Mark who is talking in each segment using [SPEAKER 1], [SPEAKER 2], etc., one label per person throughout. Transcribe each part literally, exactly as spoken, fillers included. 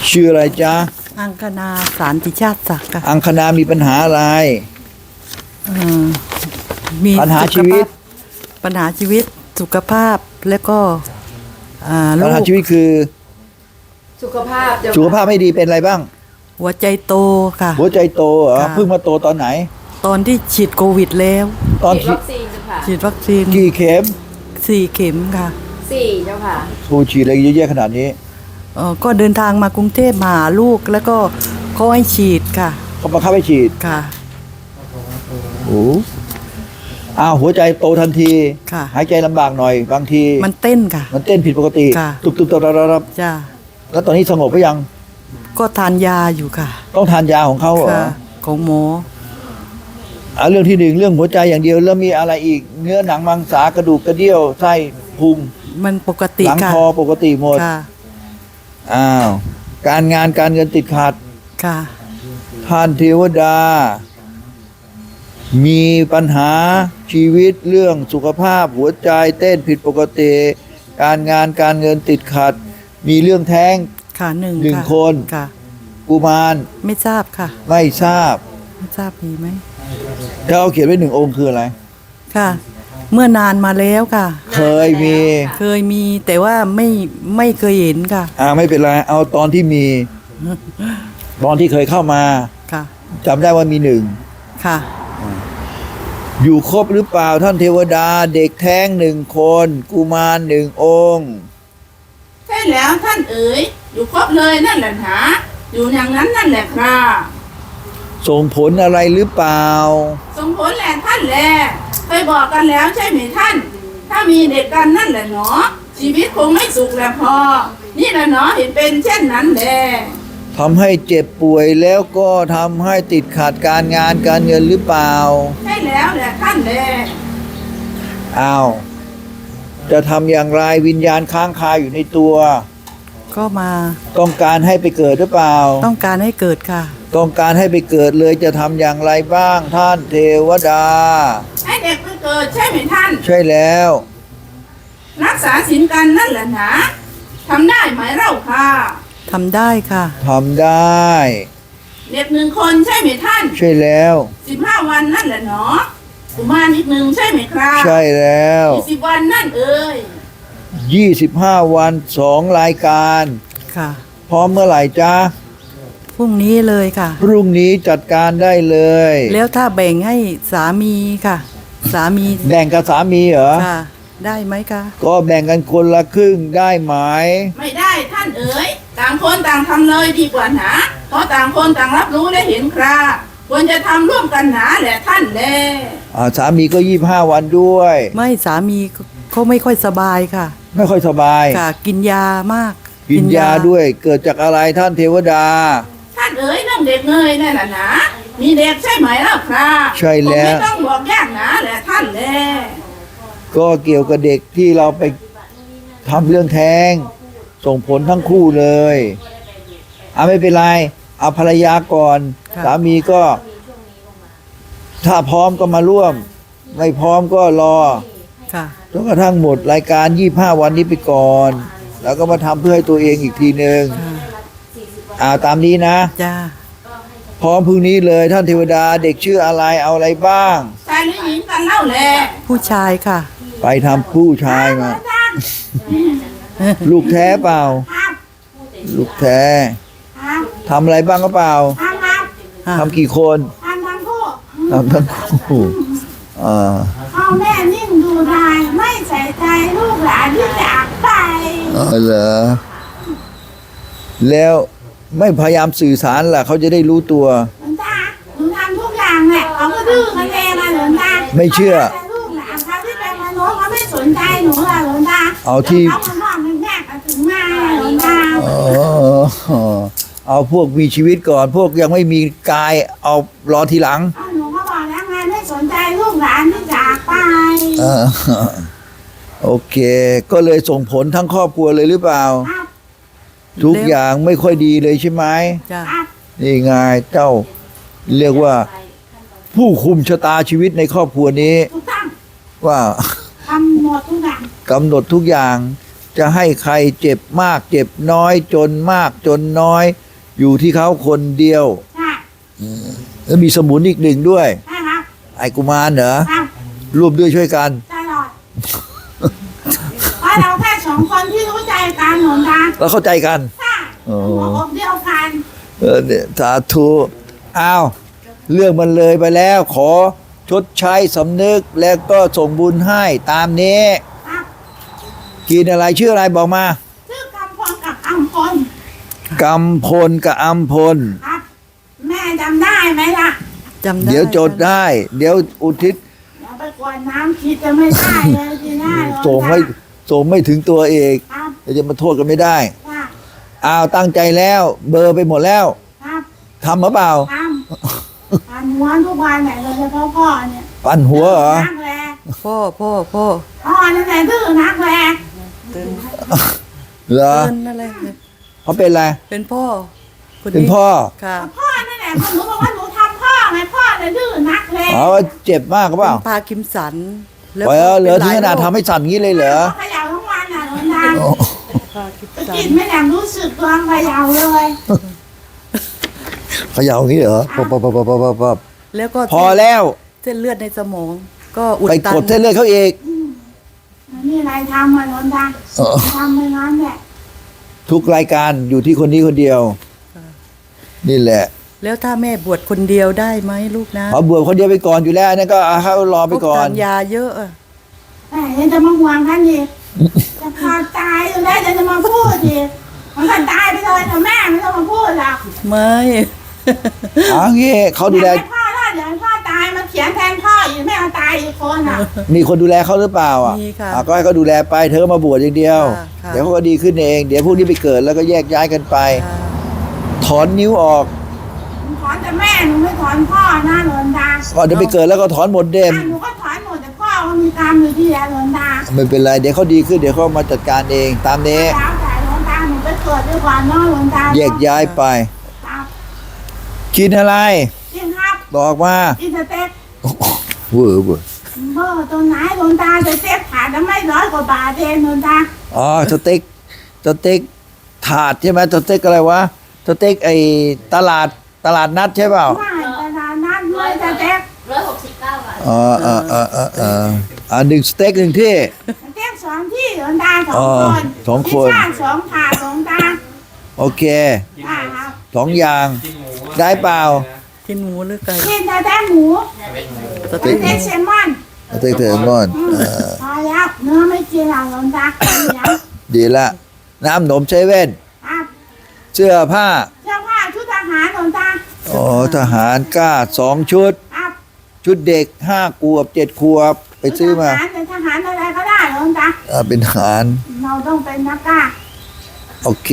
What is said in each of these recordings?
[SPEAKER 1] ชื่ออะไรจ๊ะ
[SPEAKER 2] อังคณาสารติชาติศักดิ์ค่ะ
[SPEAKER 1] อังคณามีปัญหาอะไร
[SPEAKER 2] มี
[SPEAKER 1] ปัญหาชีวิต
[SPEAKER 2] ปัญหาชีวิตสุขภาพแล้วก็
[SPEAKER 1] ปัญหาชีวิตคือ
[SPEAKER 3] สุขภาพ
[SPEAKER 1] สุขภาพไม่ดีเป็นอะไรบ้าง
[SPEAKER 2] หัวใจโตค่ะ
[SPEAKER 1] หัวใจโตเหรอเพิ่งมาโตตอนไหน
[SPEAKER 2] ตอนที่ฉีดโควิดแล้ว
[SPEAKER 1] ตอน
[SPEAKER 3] ฉีดวัคซีนค่ะ
[SPEAKER 2] ฉีดวัคซีน
[SPEAKER 1] กี่เข็ม
[SPEAKER 2] สี่เข็มค่ะ
[SPEAKER 3] สี่เจ้าค่ะ
[SPEAKER 1] ผู้ฉีดอะไรเยอะแยะขนาดนี้
[SPEAKER 2] เออก็เดินทางมากรุงเทพมาหาลูกแล้วก็เขาให้ฉีดค่ะ
[SPEAKER 1] เขาบังคับให้ฉีด
[SPEAKER 2] ค่ะ
[SPEAKER 1] โอ้อ้าวหัวใจโตทันที
[SPEAKER 2] ค่ะ
[SPEAKER 1] หายใจลำบากหน่อยบางที
[SPEAKER 2] มันเต้นค่ะ
[SPEAKER 1] มันเต้นผิดปกติตุบตุบตุบรับ
[SPEAKER 2] จ้า
[SPEAKER 1] แล้วตอนนี้สงบหรือยัง
[SPEAKER 2] ก็ทานยาอยู่ค่ะ
[SPEAKER 1] ต้องทานยาของเขาเหรอ
[SPEAKER 2] ของหมอ
[SPEAKER 1] อ่าเรื่องที่หนึ่งเรื่องหัวใจอย่างเดียวแล้วมีอะไรอีกเนื้อหนังมังสากระดูกกระเดี่ยวไส้พุง
[SPEAKER 2] มันปกติ
[SPEAKER 1] หลังคอปกติหมดอ้าวการงานการเงินติดขัด
[SPEAKER 2] ค่ะ
[SPEAKER 1] ท่านเทวดามีปัญหาชีวิตเรื่องสุขภาพหัวใจเต้นผิดปกติการงานการเงินติดขัดมีเรื่องแท้ง
[SPEAKER 2] ค่ะหนึ่ง
[SPEAKER 1] หนึ่งคน
[SPEAKER 2] ค่ะ
[SPEAKER 1] กุมาร
[SPEAKER 2] ไม่ทราบค่ะ
[SPEAKER 1] ไม่ทราบ
[SPEAKER 2] ไม่ทราบมีไหม
[SPEAKER 1] ถ้าเขาเขียนไว้หนึ่งองค์คืออะไร
[SPEAKER 2] ค่ะเมื่อนานมาแล้วค่ะ
[SPEAKER 1] เคยมี
[SPEAKER 2] เคยมีแต่ว่าไม่ไม่เคยเห็นค่ะ
[SPEAKER 1] อ่าไม่เป็นไรเอาตอนที่มีตอนที่เคยเข้ามา
[SPEAKER 2] ค่ะ
[SPEAKER 1] จำได้ว่ามีหนึ่ง
[SPEAKER 2] ค่ะ
[SPEAKER 1] อยู่ครบหรือเปล่าท่านเทวดาเด็กแท้งหนึ่งคนกุมารหนึ่งองค์
[SPEAKER 3] ใช่แล้วท่านเอ๋ยอยู่ครบเลยนั่นแหละหนาอยู่อย่างนั้นนั่นแหละครับ
[SPEAKER 1] ส่งผลอะไรหรือเปล่า
[SPEAKER 3] ส่งผลแหละท่านแหละเคยบอกกันแล้วใช่ไหมท่านถ้ามีเด็กกันนั่นแหละเนาะชีวิตคงไม่สุขแหละพอนี่แหละเนาะเห็นเป็นเช่นนั้นแหละ
[SPEAKER 1] ทำให้เจ็บป่วยแล้วก็ทำให้ติดขัดการงานการเงินหรือเปล่า
[SPEAKER 3] ใช่แล้วแหละท่านแหละ
[SPEAKER 1] อ้าวจะทำอย่างไรวิญญาณค้างคาอยู่ในตัว
[SPEAKER 2] ก็มา
[SPEAKER 1] ต้องการให้ไปเกิดหรือเปล่า
[SPEAKER 2] ต้องการให้เกิดค่ะ
[SPEAKER 1] ต้องการให้ไปเกิดเลยจะทำอย่างไรบ้างท่านเทวดา
[SPEAKER 3] ให้เด็กไปเกิดใช่ไหมท่าน
[SPEAKER 1] ใช่แล้ว
[SPEAKER 3] รักษาศีลกันนั่นแหละนะทำได้ไหมเล่าค่ะ
[SPEAKER 2] ทำได้ค่ะ
[SPEAKER 1] ทำได้
[SPEAKER 3] เด็กหนึ่งคนใช่ไหมท่าน
[SPEAKER 1] ใช่แล้ว
[SPEAKER 3] สิบห้าวันนั่นแหละเนาะกุมารอีกหนึ่งใช่ไหมครับ
[SPEAKER 1] ใช่แล้ว
[SPEAKER 3] ยี่สิบวันนั่นเอ่ย
[SPEAKER 1] ยี่สิบห้าวันสองรายการ
[SPEAKER 2] ค่ะ
[SPEAKER 1] พร้อมเมื่อไหร่จ๊ะ
[SPEAKER 2] พรุ่งนี้เลยค่ะ
[SPEAKER 1] พรุ่งนี้จัดการได้เลย
[SPEAKER 2] แล้วถ้าแบ่งให้สามีค่ะสามี
[SPEAKER 1] แบ่งกับสามีเหรอ
[SPEAKER 2] ค่ะได้ไหมคะ
[SPEAKER 1] ก็แบ่งกันคนละครึ่งได้ไหม
[SPEAKER 3] ไม่ได้ท่านเอ๋ยต่างคนต่างทำเลยดีกว่าหนาเพราะต่างคนต่างรับรู้และเห็นคราควรจะทำร่วมกันหนาแหละท่านแล
[SPEAKER 1] อ่าสามีก็ยี่สิบห้าวันด้วย
[SPEAKER 2] ไม่สามีเขาไม่ค่อยสบายค่ะ
[SPEAKER 1] ไม่ค่อยสบาย
[SPEAKER 2] ค่ะกินยามาก
[SPEAKER 1] กินยาด้วยเกิดจากอะไรท่านเทวดา
[SPEAKER 3] ท่านเอ๋ยน้องเด็กเงยนั่นแหละนะมีเด็กใช่ไหมล่ะครับ
[SPEAKER 1] ใช่แล้วไม่
[SPEAKER 3] ต้องบอกยากหนาแหละท่านแล
[SPEAKER 1] ก็เกี่ยวกับเด็กที่เราไปทำเรื่องแท้งส่งผลทั้งคู่เลยอ่ะไม่เป็นไรเอาภรรยาก่อนสามีก็ถ้าพร้อมก็มาร่วมไม่พร้อมก็รอจนกระทั่งหมดรายการยี่สิบห้าวันนี้ไปก่อนแล้วก็มาทำเพื่อให้ตัวเองอีกทีนึงอ่าตามนี้นะ
[SPEAKER 2] จ้า
[SPEAKER 1] พร้อมพรุ่งนี้เลยท่านเทวดาเด็กชื่ออะไรเอาอะไรบ้าง
[SPEAKER 3] ชายหรือหญิงกันเล่าแหละ
[SPEAKER 2] ผู้ชายค่ะ
[SPEAKER 1] ไปทำผู้ชายมาลูกแท้เปล่าลูกแท้ทำอะไรบ้างก็เปล่าทำกี่คน
[SPEAKER 3] ทำทั้งคู่
[SPEAKER 1] ทำทั้งคู่อ่า
[SPEAKER 3] พ่อแม่นิ่งดูดายไม่ใส่ใจลูกหลานที่จากไป
[SPEAKER 1] อ๋อเหรอแล้วไม่พยายามสื่อสารล่ะเขาจะได้รู้ตัว
[SPEAKER 3] หลวงตาหนูทำทุกอย่างแหละเขาก็ดื้อกันเองนะหลวงตา
[SPEAKER 1] ไม่เชื่อ
[SPEAKER 3] ลูกหลานเขาที่เป็นมนุษย์เขาไม่สนใจหนูล่ะหลวงตา
[SPEAKER 1] เอาที่
[SPEAKER 3] เขาคนนอกมันแยกกันถึงมาหลวงตา
[SPEAKER 1] อ๋อเอาพวกมีชีวิตก่อนพวกยังไม่มีกายเอารอทีหลัง
[SPEAKER 3] หนูก็บอกแล้วไงไม่สนใจลูกหลานที่จากไป
[SPEAKER 1] โอเคก็เลยส่งผลทั้งครอบครัวเลยหรือเปล่าทุกอย่างไม่ค่อยดีเลยใช่ไหม
[SPEAKER 2] จ้ะ
[SPEAKER 1] นี่ไงเจ้าเรียกว่าผู้คุมชะตาชีวิตในครอบครัวนี้ว่าก
[SPEAKER 3] ำหนดทุกอย่าง
[SPEAKER 1] กำหนดทุกอย่างจะให้ใครเจ็บมากเจ็บน้อยจนมากจนน้อย อยู่ที่เขาคนเดียว
[SPEAKER 3] ใช่
[SPEAKER 1] แล้วมีสมุนอีกหนึ่งด้วย
[SPEAKER 3] ใช่ครับ
[SPEAKER 1] ไอ้กุมารเหรอ
[SPEAKER 3] ครับ
[SPEAKER 1] ร่วมด้วยช่วยกัน
[SPEAKER 3] ตลอดเพราะเราแค่สองคนที่รู้ใจกันหลวงตา
[SPEAKER 1] แล้วเข้าใจกัน
[SPEAKER 3] ใช่
[SPEAKER 1] อ๋อ
[SPEAKER 3] หัวอกเดียวกัน
[SPEAKER 1] เออเนี่ยสาธุอ้าวเรื่องมันเลยไปแล้ว ขอชดใช้สำนึกแล้วก็ส่งบุญให้ตามนี้
[SPEAKER 3] ครับ
[SPEAKER 1] กินอะไรชื่ออะไรบอกมา
[SPEAKER 3] ชื่อกำพลกับอัมพล
[SPEAKER 1] กำพลกับอัมพล
[SPEAKER 3] ครับ แม่จำได้ไหมล่ะ
[SPEAKER 2] จำได้
[SPEAKER 1] เดี๋ยวจดได้ เดี๋ยวอุทิศ
[SPEAKER 3] อย่าไปกวนน้ำคิดจะไม่ได้เลยทีหน้าหลวงตา
[SPEAKER 1] ส่งไม่ส่งไม่ถึงตัวเอก
[SPEAKER 3] ครับ
[SPEAKER 1] เดี๋ยวจะมาโทษกันไม่ได้
[SPEAKER 3] ครับ
[SPEAKER 1] อ้าวตั้งใจแล้ว เบอร์ไปหมดแล้ว
[SPEAKER 3] ครับ
[SPEAKER 1] ทำหรือเปล่า
[SPEAKER 3] ทำทำหัวทุกวันไหนโดยเฉพาะพ่อเนี่ย
[SPEAKER 1] ปั่นหัวเหรอ
[SPEAKER 3] นักแร
[SPEAKER 2] พ่อพ่อพ่อ
[SPEAKER 3] พ่อนั่นแหละดื้อนักแร
[SPEAKER 2] เตือน
[SPEAKER 1] เหรอ
[SPEAKER 2] เตือนอะไรเนี่ย
[SPEAKER 1] เขาเป็นอะไร
[SPEAKER 2] เป็นพ่อคน
[SPEAKER 1] เป็นพ่อ
[SPEAKER 2] ค่ะ
[SPEAKER 3] พ่อนั่นแหละพอหนูบอกว่าหนูทำพ่อไงพ่อเลยดื้อนักแร
[SPEAKER 1] อ๋อเจ็บมากหรือเป
[SPEAKER 2] เป็
[SPEAKER 1] ล่า
[SPEAKER 2] นพากิมสันแล้ว
[SPEAKER 1] ไว้เหรอ
[SPEAKER 2] ป็
[SPEAKER 1] ถึงขนาด
[SPEAKER 2] โรค
[SPEAKER 1] ทำให้สั่นงี้เลยเหรอ
[SPEAKER 3] เขย่าทั้งวันน่ะหลวงตา
[SPEAKER 2] พากิม
[SPEAKER 3] ไป
[SPEAKER 2] สั
[SPEAKER 3] กิ
[SPEAKER 2] น
[SPEAKER 3] นไม่แหลมรู้สึกตัวเขย่าเลย
[SPEAKER 1] เขย่าอย่างนี้เหรอปั๊บปั๊บปั๊บปั๊บปั๊บปั๊บ
[SPEAKER 2] แล้วก็
[SPEAKER 1] พอแล้ว
[SPEAKER 2] เส้นเลือดในสมอง ก็อุด
[SPEAKER 1] ไป
[SPEAKER 2] ตัน
[SPEAKER 1] กดเส้นเลือดเขาอีก
[SPEAKER 3] มันมีอะไรทำมาหลวงตา
[SPEAKER 1] เออ
[SPEAKER 3] ทำไม่งั้นแหละ
[SPEAKER 1] ทุกรายการอยู่ที่คนนี้คนเดียว นี่แหละ
[SPEAKER 2] แล้วถ้าแม่บวชคนเดียวได้ไหมลูกนะ
[SPEAKER 1] ขอบวชคนเดียวไปก่อนอยู่แล้วอันนั่นก็เอาเขารอไปก่อน
[SPEAKER 2] ทานยาเยอะอะ
[SPEAKER 3] แต่ยังจะมาห่วงท่านอีกจะพาตายอยู่ได้จะจะมาพูดอีกมันก็ตายไปเลยแต่แม่ไม่ต้องมาพูดหรอก
[SPEAKER 2] ไม่
[SPEAKER 1] เอังนี้เขาดูแล
[SPEAKER 3] อยากให้พ่อรอดอยากให้พ่อตายมาเขียนแทนพ่ออีกไม่เอาตายอีกคนอ่ะ
[SPEAKER 1] มีคนดูแลเขาหรือเปล่าอ่ะ
[SPEAKER 2] มีค่ะ
[SPEAKER 1] อ่ะก็ให้เขาดูแลไปเธอก็มาบวชอย่างเดียว
[SPEAKER 2] ค่ะค่ะ
[SPEAKER 1] เดี๋ยวเขาก็ดีขึ้นเอง เดี๋ยวพวกนี้ไปเกิดแล้วก็แยกย้ายกันไป
[SPEAKER 2] อ่า
[SPEAKER 1] ถอนนิ้วออก
[SPEAKER 3] หนูถอนแต่แม่หนูไม่ถอนพ่อนะหลวงตา
[SPEAKER 1] ก่อนจะไปเกิดแล้วก็ถอนหมดเดม
[SPEAKER 3] อ่ะหนูก็ถอนหมดแต่พ่อมันมีกรรมอยู่ที่แหลหลวงตา
[SPEAKER 1] ไม่เป็นไรเดี๋ยวเขาดีขึ้นเดี๋ยวเขามาจัดการเอง ตามนี้
[SPEAKER 3] แล้วแต่หลวงตาหนูไปเกิดดีกว่าเน้องหลวงตา
[SPEAKER 1] แยกย้ายไป
[SPEAKER 3] ครับ
[SPEAKER 1] กินอะไร
[SPEAKER 3] จริงครับ
[SPEAKER 1] บอกมา
[SPEAKER 3] กินสเต็ก
[SPEAKER 1] เวอร์เวอร์
[SPEAKER 3] เบอร์ตรงไหนหลวงตาสเต็กขาดแล้วไม่ร้อยกว่าบาทเองหลวงตา
[SPEAKER 1] อ๋อสเต็กสเต็กถาดใช่ไหมสเต็กอะไรวะสเต็กไอ้ตลาดตลาดนัดใช่เปล่า
[SPEAKER 3] ไม่ตลาดนัดเลยสเต็ก
[SPEAKER 4] ร้อยหกสิบเก้าบาท
[SPEAKER 1] อ๋อเออเออเออเอออ่าหนึ่งสเต็กหนึ่งที่
[SPEAKER 3] สเต็กสองที่หลวงตาสอง
[SPEAKER 1] อ๋อ
[SPEAKER 3] คน
[SPEAKER 1] สองคน
[SPEAKER 3] พิซซ่าสองถาดหลวงตา
[SPEAKER 1] โอเค
[SPEAKER 3] ได้ครับ
[SPEAKER 1] สองอย่างได้เปล่า
[SPEAKER 2] กินหมูหรือไก่
[SPEAKER 3] กินสเต็กหมู
[SPEAKER 2] ส
[SPEAKER 3] ส
[SPEAKER 2] เต็ก
[SPEAKER 3] เต็กเซลมอน
[SPEAKER 1] สเต็กเทอร์มอน
[SPEAKER 3] อืม
[SPEAKER 1] เออ
[SPEAKER 3] พอแล้วเนื้อไม่กินหรอกหลวงตาเดี๋ยว
[SPEAKER 1] ดีละน้ำหนมเซเว่น
[SPEAKER 3] ครับ
[SPEAKER 1] เสื้อผ้า
[SPEAKER 3] เสื้อผ้าชุดทหารหลวงตา
[SPEAKER 1] อ๋อทหารกล้าสองชุด
[SPEAKER 3] ครับ
[SPEAKER 1] ชุดเด็กห้าขวบเจ็ดขวบ ไปซื้อมา
[SPEAKER 3] ทหารเป็นทหารอะไรก็ได้หลวงตา
[SPEAKER 1] อ่าเป็นทหาร
[SPEAKER 3] เราต้องเป็นนักกล้า
[SPEAKER 1] โอเค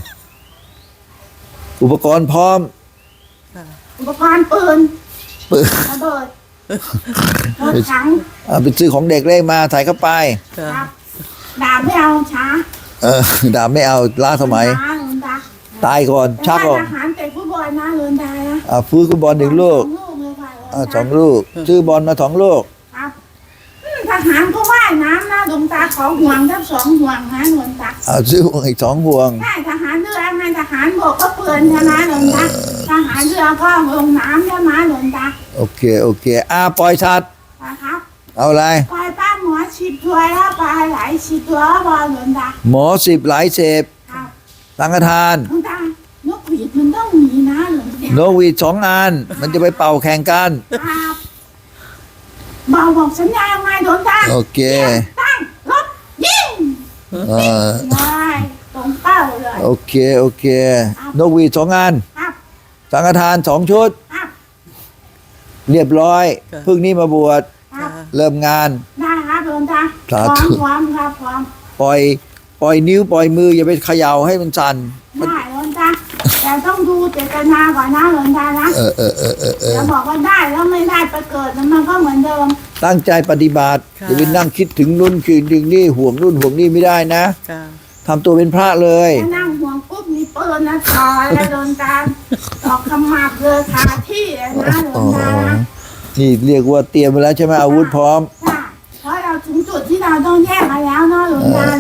[SPEAKER 1] อุปกรณ์พร้อม
[SPEAKER 3] อุปกรณ์ปืน
[SPEAKER 1] ปืน
[SPEAKER 3] ระเบิดรถถัง
[SPEAKER 1] อ่าไปซื้อของเด็กเล่มาใส่เข้าไป
[SPEAKER 2] ค่ะ
[SPEAKER 3] ครับดาบไม่เอาช้า
[SPEAKER 1] เออดาบไม่เอาล้าสมัย
[SPEAKER 3] ช้าหลวงตา
[SPEAKER 1] ตายก่อน
[SPEAKER 3] แต่
[SPEAKER 1] ชักอ
[SPEAKER 3] ว่า
[SPEAKER 1] อก
[SPEAKER 3] ทหารเตะฟุตบอลนะหลวงตานะ
[SPEAKER 1] อ่าฟื้นฟุตบอลหนึ่งลูก
[SPEAKER 3] สองลูกเลยค่ะหลวง
[SPEAKER 1] อ่า
[SPEAKER 3] ตา
[SPEAKER 1] สองลูก ซื้อบอลมาสองลูก
[SPEAKER 3] ครับอืมทหารก็ว่ายน้ำนะหลวงตาขอห่วงทั้งสองห่วงนะหลวงตา
[SPEAKER 1] อ่าซื้อห่วงอีกสองห่วง
[SPEAKER 3] ใช่ทหารเรือไงทหารบกก็ปืนใช่ไหมหลวงตาทหารเรือก็ลงน้ำใช่ไหมหลวงตา
[SPEAKER 1] โอเค โอเค อ่าปล่อยสัตว์
[SPEAKER 3] นะครับ
[SPEAKER 1] เอาอะไร
[SPEAKER 3] ปล่อยป้าหมอฉีดตัวแล้วปลาไหลฉีดตัวบอลหลวงตา
[SPEAKER 1] หมอสิบหลายเสพ
[SPEAKER 3] ครับ
[SPEAKER 1] สังฆทาน
[SPEAKER 3] หลวงตานกหวีดมันต้องมีนะหลวงตา
[SPEAKER 1] โนกหวีดสองอัน มันจะไปเป่าแข่งกัน
[SPEAKER 3] ครับบอกบอกสัญญายังไงหลวงตา
[SPEAKER 1] โอเค
[SPEAKER 3] ตั้งรถยิง
[SPEAKER 1] เออ
[SPEAKER 3] ได้ตรงเป้าเลย
[SPEAKER 1] โอเค โอเค นกหวีดสองอัน
[SPEAKER 3] ครับ
[SPEAKER 1] สังฆทานสองชุด
[SPEAKER 3] ครับ
[SPEAKER 1] เรียบร้อยเพิ่งนี้มาบวช
[SPEAKER 3] ครับ
[SPEAKER 1] เริ่มงาน
[SPEAKER 3] ได้ครับหลวงตา
[SPEAKER 1] สา
[SPEAKER 3] พร้อ
[SPEAKER 1] ธุ
[SPEAKER 3] มพร้อมครับพร้อม
[SPEAKER 1] ปล่อย ปล่อยนิ้วปล่อยมืออย่าไปเขย่าให้มันสั่น
[SPEAKER 3] ได้หลวงตาแต่ต้องดูเจตนาก่อนนะหลวงตานะ
[SPEAKER 1] เออเออเออเออเออ
[SPEAKER 3] อย่าบอกว่าได้แล้วไม่ได้ไปเกิดมันก็เหมือนเดิม
[SPEAKER 1] ตั้งใจปฏิบัติ
[SPEAKER 2] ค่ะ
[SPEAKER 1] อย่าไปนั่งคิดถึงนู่นคิดถึงนี่ห่วงนู่นห่วงนี่ไม่ได้นะ
[SPEAKER 2] ค่ะ
[SPEAKER 1] ทำตัวเป็นพระเลย
[SPEAKER 3] ถ้านั่งห่วงปุ๊บมีปืนนะต่อแล้วโดนการตอกขมับเลยคาที่เลยนะหลว
[SPEAKER 1] อ๋อง
[SPEAKER 3] ตานะ
[SPEAKER 1] นี่เรียกว่าเตรียมไว้แล้วใช่ไหมอาวุธพร้อม
[SPEAKER 3] ใช่เพราะเราถึงจุดที่เราต้องแยกมาแล้วเนาะหลวงตาเนาะ
[SPEAKER 1] อ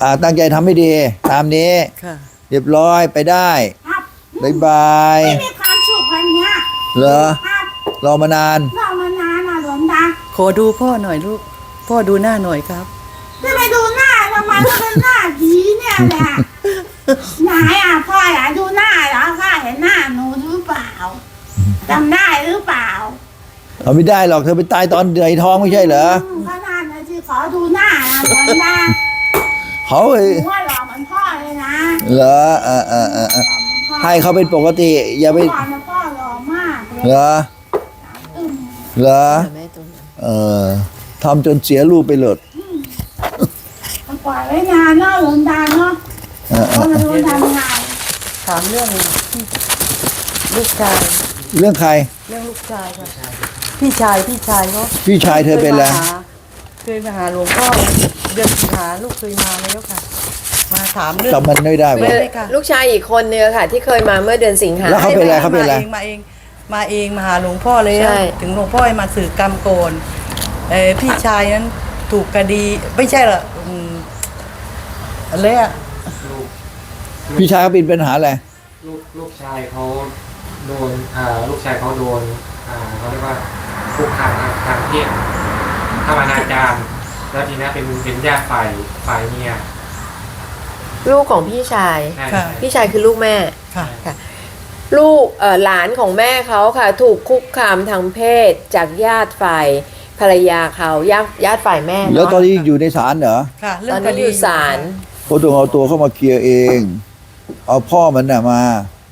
[SPEAKER 1] อ่าตั้งใจทำให้ดี ตามนี้
[SPEAKER 2] ค่ะ
[SPEAKER 1] เรียบร้อยไปได้
[SPEAKER 3] ครับ
[SPEAKER 1] บ๊ายบาย
[SPEAKER 3] ไม่มีความสุขวันเนี้ย
[SPEAKER 1] เหรอ
[SPEAKER 3] ครับ
[SPEAKER 1] รอมานาน
[SPEAKER 3] เรามานานนะหลวงตา
[SPEAKER 2] ขอดูพ่อหน่อยลูก พ่อดูหน้าหน่อยครับ
[SPEAKER 3] จะไปดูหน้าทำไมก็เป็นหน้าผีเนี่ยแหละไหนอ่ะพ่ออยากดูหน้าเหรอข้าเห็นหน้าหนูหรือเปล่าจำได้หรือเปล่า
[SPEAKER 1] เอาไม่ได้หรอกเธอไปตายตอนเดือยท้องไม่ใช่เหรอ
[SPEAKER 3] มก็น่าจะที่ขอดูหน้านะหลวงตา
[SPEAKER 1] เขาเอ้ย
[SPEAKER 3] หนูว่าหล่อเหมือนพ่อเลยนะ
[SPEAKER 1] เหรอเออเออเออเออ
[SPEAKER 3] หล่อเหมือนพ่อ
[SPEAKER 1] ให้เขาเป็นปกติ อย่าไป
[SPEAKER 3] พ่อนะพ่อหล่อมากเลย
[SPEAKER 1] เหรอ
[SPEAKER 3] อืม
[SPEAKER 1] เหรอเออทำจนเสียรูปไปหลด
[SPEAKER 3] มันปล่อยไว้นานเนาะหลวงตาเนาะ
[SPEAKER 1] เออเอ
[SPEAKER 3] ก็
[SPEAKER 1] อ
[SPEAKER 3] มาดูทำงาน
[SPEAKER 2] ถามเรื่องลูกชาย
[SPEAKER 1] เรื่องใคร
[SPEAKER 2] เรื่องลูกชายค่ะพี่ชายพี่ชายเขา
[SPEAKER 1] พี่ชายเธอเป็นอะไร
[SPEAKER 2] เคยมาหาหลวงพ่อเดือนสิงหาลูกเคยมาแล้วค่ะ มาถามเรื่อง
[SPEAKER 1] จำมันไม่ได้
[SPEAKER 2] ไม่
[SPEAKER 1] วะ
[SPEAKER 2] ได้ค่ะ
[SPEAKER 4] ลูกชายอีกคนนึงอะค่ะ ที่เคยมาเมื่อเดือนสิงหา
[SPEAKER 1] แล้วเขาเป็นอะไรเขาเป็นอะไร
[SPEAKER 2] มาเองมาเองมาเองมาหาหลวงพ่อเลย
[SPEAKER 4] ใช่
[SPEAKER 2] ถึงหลวงพ่อให้มาสื่อกรรมโกนเออพี่ชายนั้นถูกคดีไม่ใช่หรอกอืมอะไรอะ
[SPEAKER 1] พี่ชายเขาเป็นปัญหาอะไร
[SPEAKER 5] ลูกลูกชายเขาโดนอ่าลูกชายเขาโดนอ่าเขาเรียกว่าคุกคามทางทางเพศทำอนาจารแล้วทีนี้เป็นเป็นญาติฝ่ายฝ่ายเมีย
[SPEAKER 4] ลูกของพี่ชาย
[SPEAKER 5] ใช่
[SPEAKER 2] ค่ะ
[SPEAKER 4] พี่ชายคือลูกแม่
[SPEAKER 2] ค่ะ
[SPEAKER 4] ค่ะ ลูกเอ่อหลานของแม่เขาค่ะ ถูกคุกคามทางเพศจากญาติฝ่ายภรรยาเขาญาติญาติฝ่ายแม่
[SPEAKER 1] แล้ว
[SPEAKER 4] เนาะ
[SPEAKER 1] ตอนนี้อยู่ในศาลเหรอ
[SPEAKER 2] ค่ะ เรื่
[SPEAKER 4] ต
[SPEAKER 2] อ
[SPEAKER 4] อง น
[SPEAKER 2] ค
[SPEAKER 4] นี้
[SPEAKER 2] ดี
[SPEAKER 4] อยู่ศาล
[SPEAKER 1] เขาต้องเอาตัวเข้ามาเคลียร์เอง เอาพ่อมันน่ะมา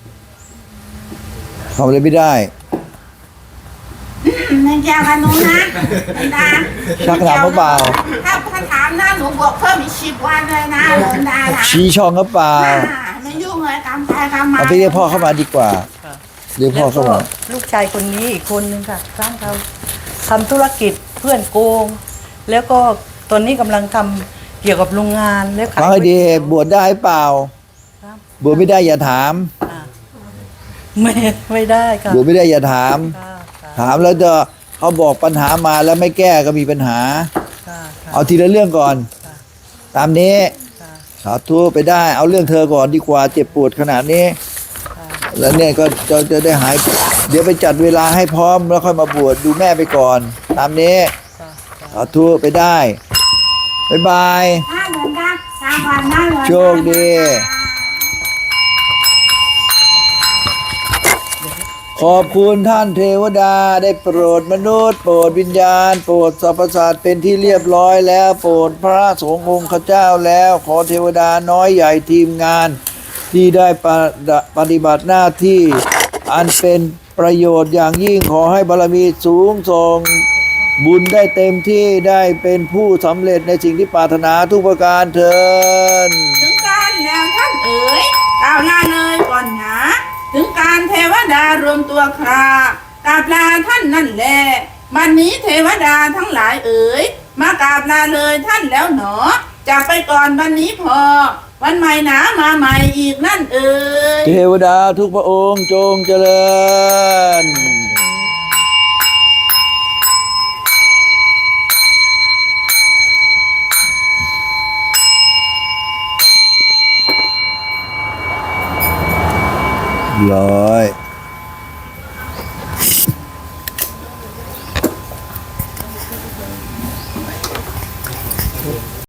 [SPEAKER 1] ทำอะไรไม่ได้
[SPEAKER 3] ไม่เกี่ยวกับหนูนะหลวงตา
[SPEAKER 1] ชักดาบหรือเปล่า
[SPEAKER 3] ถ้าถ้าถามนะหนูบวกเพิ่มอีกสิบวันเลยนะหลวงตานะ
[SPEAKER 1] ชี้ช่องหรือเปล่า
[SPEAKER 3] อ่าไม่ยุ่งเลยกำไปกำมา
[SPEAKER 1] เอาไปเรียกพ่อเข้ามาดีกว่า
[SPEAKER 2] ค่ะ
[SPEAKER 1] เรียกพ่อ
[SPEAKER 2] แล้ว
[SPEAKER 1] เข้า
[SPEAKER 2] ก็
[SPEAKER 1] มา
[SPEAKER 2] ลูกชายคนนี้อีกคนนึงค่ะสร้างเขาทำธุรกิจเพื่อนโกง แล้วก็ตอนนี้กำลังทำเกี่ยวกับโรงงานแล้วขาย
[SPEAKER 1] ฟังให้ดีบวชได้เปล่า
[SPEAKER 2] ครับ
[SPEAKER 1] บวชไม่ได้อย่าถาม
[SPEAKER 2] อ่าไม่ไม่ได้ค่ะ
[SPEAKER 1] บวชไม่ได้อย่าถาม
[SPEAKER 2] ค่ะค่ะ
[SPEAKER 1] ถามแล้วจะเขาบอกปัญหามาแล้วไม่แก้ก็มีปัญหา
[SPEAKER 2] ค่ะค่ะ
[SPEAKER 1] เอาทีละเรื่องก่อน
[SPEAKER 2] ค่ะ
[SPEAKER 1] ตามนี้
[SPEAKER 2] ค่ะ
[SPEAKER 1] สาธุไปได้ เอาเรื่องเธอก่อนดีกว่าเจ็บปวดขนาดนี้
[SPEAKER 2] ค่ะ
[SPEAKER 1] แล้วเนี่ยก็จะจะได้หาย เดี๋ยวไปจัดเวลาให้พร้อมแล้วค่อยมาบวชดูแม่ไปก่อน ตามนี้
[SPEAKER 2] ค่ะค่ะ
[SPEAKER 1] สาธุไปได้บ๊ายบาย
[SPEAKER 3] ถ้าหลวงตาตามวันนะหลวงตา
[SPEAKER 1] โชคดี ขอบคุณท่านเทวดาได้โปรดมนุษย์ โปรดวิญญาณ โปรดสรรพสัตว์เป็นที่เรียบร้อยแล้ว โปรดพระสงฆ์องค์ข้าเจ้าแล้ว ขอเทวดาน้อยใหญ่ทีมงาน ที่ได้ปฏิปฏิบัติหน้าที่ อันเป็นประโยชน์อย่างยิ่งขอให้บารมีสูงส่ง บุญได้เต็มที่ได้เป็นผู้สำเร็จในสิ่งที่ปรารถนาทุกประการเถิด
[SPEAKER 3] ถึงการแล้วท่านเอ๋ยกล่าวลาเลยก่อนนะถึงการเทวดารวมตัวครากราบลาท่านนั่นแหละวันนี้เทวดาทั้งหลายเอ๋ยมากราบลาเลยท่านแล้วหนอจากไปก่อนวันนี้พอ วันใหม่หนามาใหม่อีกนั่นเอ๋ย
[SPEAKER 1] เทวดาทุกพระองค์จงเจริญร้อย